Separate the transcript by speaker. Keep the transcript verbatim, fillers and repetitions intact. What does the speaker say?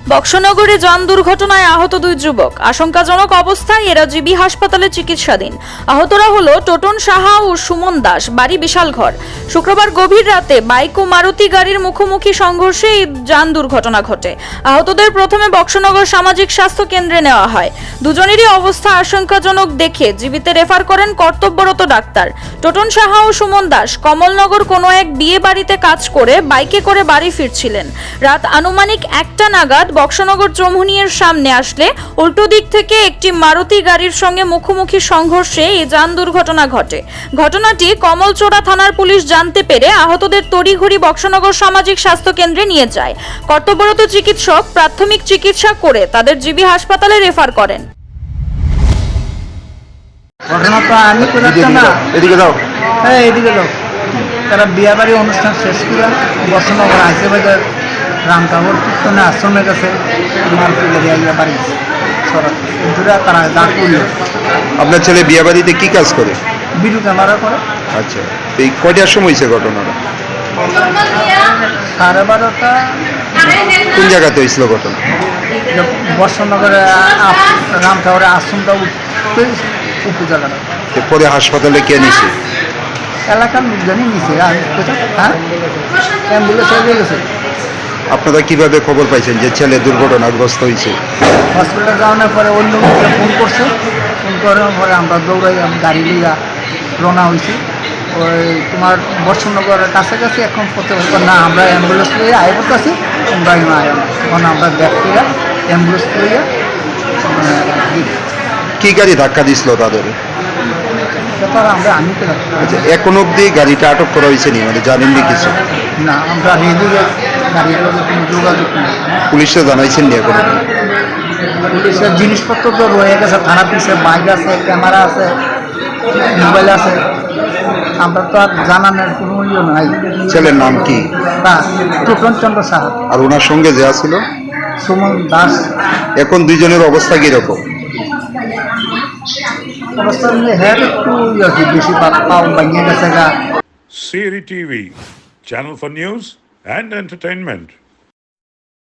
Speaker 1: বক্সনগরে যান দুর্ঘটনায় আহত দুই যুবক, আশঙ্কাজনক অবস্থায় এরা জিবি হাসপাতালে চিকিৎসাধীন। আহতরা হলো টোটন সাহা ও সুমন দাস, বাড়ি বিশালঘর। শুক্রবার গভীর রাতে বাইক ও মারুতি গাড়ির মুখোমুখি সংঘর্ষে এই যান দুর্ঘটনা ঘটে। আহতদের প্রথমে বক্সনগর সামাজিক স্বাস্থ্য কেন্দ্রে নেওয়া হয়। দুজনেরই অবস্থা আশঙ্কাজনক দেখে জীবিতে রেফার করেন কর্তব্যরত ডাক্তার। টোটন সাহা ও সুমন দাস কমলনগর কোনো এক বিয়ে বাড়িতে কাজ করে বাইকে করে বাড়ি ফিরছিলেন। রাত আনুমানিক একটা নাগাদ বক্সনগর চৌমুহনীর সামনে আসলে উল্টো দিক থেকে একটি মারুতি গাড়ির সঙ্গে মুখোমুখি সংঘর্ষে এই যান দুর্ঘটনা ঘটে। ঘটনাটি কমলচোড়া থানার পুলিশ জানতে পেরে আহতদের তড়িঘড়ি বক্সনগর সামাজিক স্বাস্থ্য কেন্দ্রে নিয়ে যায়। কর্তব্যরত চিকিৎসক প্রাথমিক চিকিৎসা করে তাদের জিবি হাসপাতালে রেফার করেন।
Speaker 2: ঘটনা তো আমি তো জানতাম না।
Speaker 3: এদিকে দাও।
Speaker 2: হ্যাঁ এদিকে দাও। তারা বিয়ে বাড়ি অনুষ্ঠান শেষ করে বর্ষনগর আইসে বাজার রামকাবর কীর্তনে আশ্রমের কাছে মারুতি গাড়ি আইয়া বাড়ি সরাত দূরে তারা দাঁড় করলো।
Speaker 3: আপনার ছেলে বিয়ে বাড়িতে কি কাজ করে?
Speaker 2: বিদ্যুৎ ক্যামেরা করে।
Speaker 3: আচ্ছা, তো এই কয়টার সময় হয়েছে ঘটনাটা?
Speaker 2: সাড়ে বারোটা।
Speaker 3: কোন জায়গাতে হয়েছিল ঘটনা?
Speaker 2: বর্ষনগরে রামকাবরের আশ্রমটা উঠতে উপজেলাটা।
Speaker 3: পরে হাসপাতালে কে নিছে?
Speaker 2: এলাকার লোকজনই নিছে। হ্যাঁ অ্যাম্বুলেন্স হয়ে গেছে।
Speaker 3: আপনারা কিভাবে খবর পাইছেন যে ছেলে দুর্ঘটনাগ্রস্ত হয়েছে?
Speaker 2: হসপিটাল যাওয়ানোর পরে অন্য লোককে ফোন করছে। ফোন করার পরে আমরা দৌড়াই গাড়ি লিয়া রওনা হয়েছি। ওই তোমার বর্ষনগরের কাছাকাছি এখন পথে না আমরা অ্যাম্বুলেন্স লিয়ে আয় করতেছি, তোমরা আয় না। তখন আমরা ব্যক্তিরা অ্যাম্বুলেন্স লিয়ে
Speaker 3: কি গাড়ি ধাক্কা দিছিল তাদের?
Speaker 2: ব্যাপার আমরা আমি তো
Speaker 3: আচ্ছা, এখন অব্দি গাড়িটা আটক করা হয়েছে নি, মানে জানেননি কিছু?
Speaker 2: না, আমরা রেডিও গাড়ির লোকের কোনো যোগাযোগ নেই।
Speaker 3: পুলিশে জানাইছেন নি এখন অব্দি?
Speaker 2: পুলিশের জিনিসপত্র তো রয়ে গেছে, থানা পিছে বাইক আছে, ক্যামেরা আছে, মোবাইল আছে। আমরা তো আর জানানোর কোনো ইয়ে নাই।
Speaker 3: ছেলের নাম কি?
Speaker 2: না, টোটন চন্দ্র সাহা
Speaker 3: আর ওনার সঙ্গে যে ছিল
Speaker 2: সুমন দাস।
Speaker 3: এখন দুইজনের অবস্থা কিরকম?
Speaker 2: অবস্থা নিয়ে হ্যাঁ একটু ইয়ে কি বেশি পাও ভাঙিয়ে গেছে গা।
Speaker 4: Siri T V, channel for news and entertainment.